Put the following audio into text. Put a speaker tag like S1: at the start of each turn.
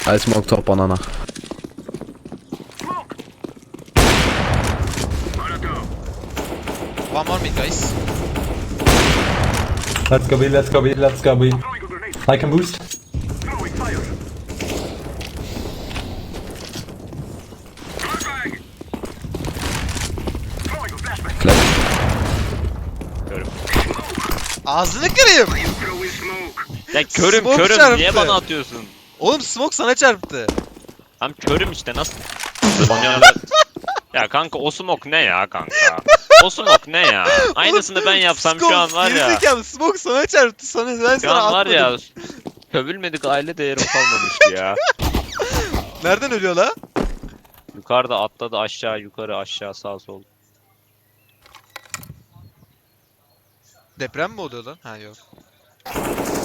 S1: I smoke top banana.
S2: One more mid, guys.
S3: Let's go B, let's go B, let's go B. I can boost.
S1: Flash.
S2: Ağzını kırayım.
S4: Ya körüm
S2: Smoke
S4: körüm
S2: çarptı.
S4: niye bana atıyorsun?
S2: Oğlum smoke sana çarptı.
S4: Tam körüm işte nasıl? Ya kanka o smoke ne ya kanka? O smoke ne ya? Aynısını ben yapsam şu an var ya.
S2: Gerizekalı smoke sana çarptı. Ben
S4: Şu
S2: sana
S4: an var
S2: atmadım.
S4: ya. Sövülmedik aile değerim kalmamıştı ya.
S2: Nereden ölüyor la?
S4: Yukarıda atladı aşağı yukarı aşağı sağ sol.
S2: Deprem mi oluyor lan? Ha yok.